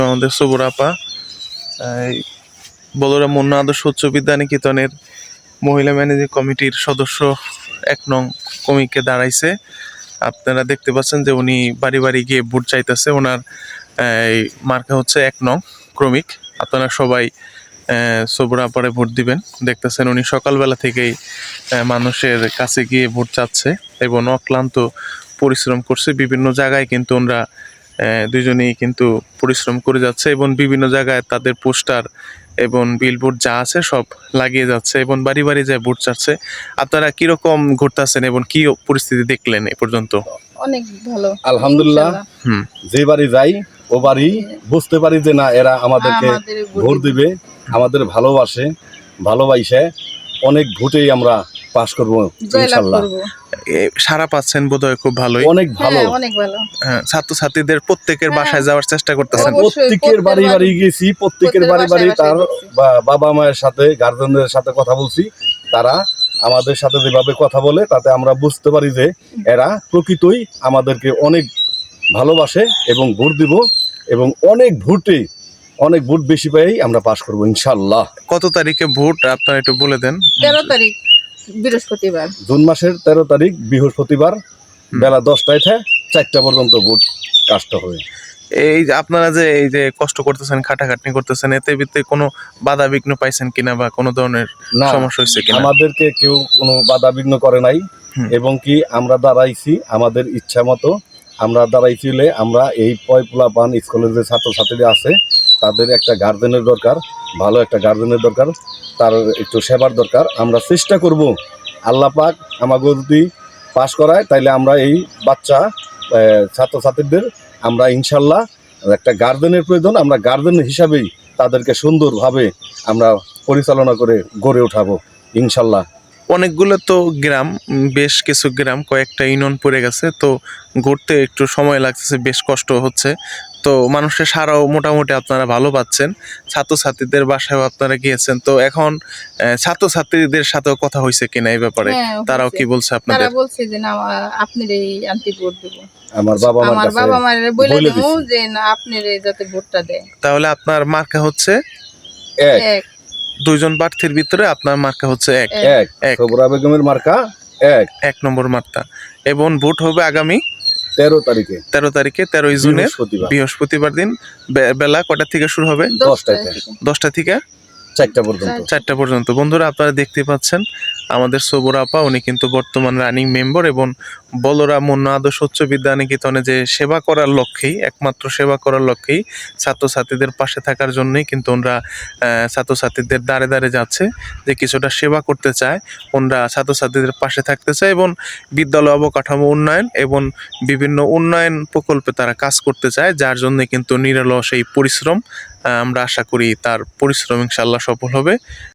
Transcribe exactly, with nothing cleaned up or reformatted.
আমাদের সবুর আপা বলরা মুন্না আদর্শ উচ্চ বিদ্যা নিকেতনের মহিলা ম্যানেজিং কমিটির সদস্য এক নং কমিকে দাঁড়াইছে। আপনারা দেখতে পাচ্ছেন যে উনি বাড়ি বাড়ি গিয়ে ভোট চাইতেছে। ওনার মার্কা হচ্ছে এক নং ক্রমিক। আপনারা সবাই সবুর আপারে ভোট দিবেন। দেখতেছেন উনি সকালবেলা থেকেই মানুষের কাছে গিয়ে ভোট চাচ্ছে এবং অক্লান্ত পরিশ্রম করছে। বিভিন্ন জায়গায় কিন্তু ওনারা দুজনেই কিন্তু পরিশ্রম করে যাচ্ছে এবং বিভিন্ন জায়গায় তাদের পোস্টার এবং বিলবোর্ড যা আছে সব লাগিয়ে যাচ্ছে এবং বাড়ি বাড়ি যায় ভোট চাচ্ছে। আপনারা কিরকম ঘুরতেছেন এবং কি পরিস্থিতি দেখলেন এ পর্যন্ত? অনেক ভালো, আলহামদুলিল্লাহ। হুম যে বাড়ি যাই ও বাড়ি বুঝতে পারি যে না এরা আমাদেরকে ভোট দিবে, আমাদের ভালোবাসে, ভালোবাসে অনেক ভোটেই আমরা পাস করবো ইনশাআল্লাহ। সারা পাচ্ছেন বোধহয় খুব ভালোই, অনেক ভালো অনেক ভালো। ছাত্রছাত্রীদের প্রত্যেকের বাসায় যাওয়ার চেষ্টা করতেছেন? প্রত্যেকের বাড়ি বাড়ি গেছি, প্রত্যেকের বাড়ি বাড়ি তার বাবা মায়ের সাথে গার্জেনদের সাথে কথা বলছি। তারা আমাদের সাথে যেভাবে কথা বলে তাতে আমরা বুঝতে পারি যে এরা প্রকৃতই আমাদেরকে অনেক ভালোবাসে এবং ভোট দিব এবং অনেক ভোটে অনেক ভোট বেশি পেয়েই আমরা পাস করবো ইনশাআল্লাহ। কত তারিখে ভোট আপনারা একটু বলে দেন? তেরো তারিখ বৃহস্পতিবার, জুন মাসের তেরো তারিখ বৃহস্পতিবার বেলা দশটায় থেকে চারটা পর্যন্ত ভোট কাজটা হবে। এই যে আপনারা যে এই যে কষ্ট করতেছেন, খাটাখাটনি করতেছেন, এতে ভিতরে কোনো বাধা বিঘ্ন পাইছেন কিনা বা কোনো ধরনের সমস্যা হয়েছে কিনা? আমাদেরকে কেউ কোনো বাধা বিঘ্ন করে নাই এবং কি আমরা দাঁড়াইছি আমাদের ইচ্ছা মতো। আমরা দাঁড়াইছিলে আমরা এই পয়পুলা পান স্কুলের যে ছাত্রছাত্রীরা আছে তাদের একটা গার্জেনের দরকার, ভালো একটা গার্জেনের দরকার, তার একটু সেবার দরকার। আমরা চেষ্টা করব আল্লাহ পাক আমাকে যদি পাশ করায় তাইলে আমরা এই বাচ্চা ছাত্রছাত্রীদের আমরা ইনশাল্লাহ একটা গার্জেনের প্রয়োজন, আমরা গার্জেন হিসাবেই তাদেরকে সুন্দরভাবে আমরা পরিচালনা করে গড়ে উঠাবো ইনশাল্লাহ। অনেকগুলো তো গ্রাম, বেশ কিছু গ্রাম, কয়েকটা ইউনিয়ন পড়ে গেছে, তো ঘুরতে একটু সময় লাগতেছে, বেশ কষ্ট হচ্ছে। তো মানুষের সারাও মোটামুটি আপনারা ভালো পাচ্ছেন, ছাত্রছাত্রীদের বাসায়ও আপনারা গিয়েছেন। তো এখন ছাত্রছাত্রীদের সাথেও কথা হয়েছে কিনা এই ব্যাপারে? তারাও কি বলছে আপনাদের? তারা বলছে যে না আপনারই আন্টি ভোট দেব। আমার বাবা আমার বাবা মায়ের বলে দেবো যে না আপনারই যাতে ভোটটা দেয়। তাহলে আপনার মার্কা হচ্ছে এক। দুইজন প্রার্থীর ভিতরে আপনার মার্কা হচ্ছে এক। এক সবরা বেগমের মার্কা এক, এক নম্বর মার্কা। এবং ভোট হবে আগামী তেরো তারিখে তেরো তারিখে তেরোই জুনের বৃহস্পতিবার দিন। বেলা কটা থেকে শুরু হবে? দশটা দশটা থেকে চারটা পর্যন্ত চারটা পর্যন্ত বন্ধুরা আপনারা দেখতে পাচ্ছেন আমাদের সবুর আপা, উনি কিন্তু বর্তমান রানিং মেম্বার এবং বলরা মুন্না আদর্শ উচ্চ বিদ্যা নিকেতনে যে সেবা করার লক্ষ্যেই, একমাত্র সেবা করার লক্ষ্যেই, ছাত্রছাত্রীদের পাশে থাকার জন্যই কিন্তু ওনারা ছাত্রছাত্রীদের দাঁড়ে দাঁড়ে যাচ্ছে, যে কিছুটা সেবা করতে চায়, ওনারা ছাত্রছাত্রীদের পাশে থাকতে চায় এবং বিদ্যালয় অবকাঠামো উন্নয়ন এবং বিভিন্ন উন্নয়ন প্রকল্পে তারা কাজ করতে চায়, যার জন্য কিন্তু নিরলস এই পরিশ্রম। আমরা আশা করি তার পরিশ্রম ইনশাআল্লাহ সফল হবে।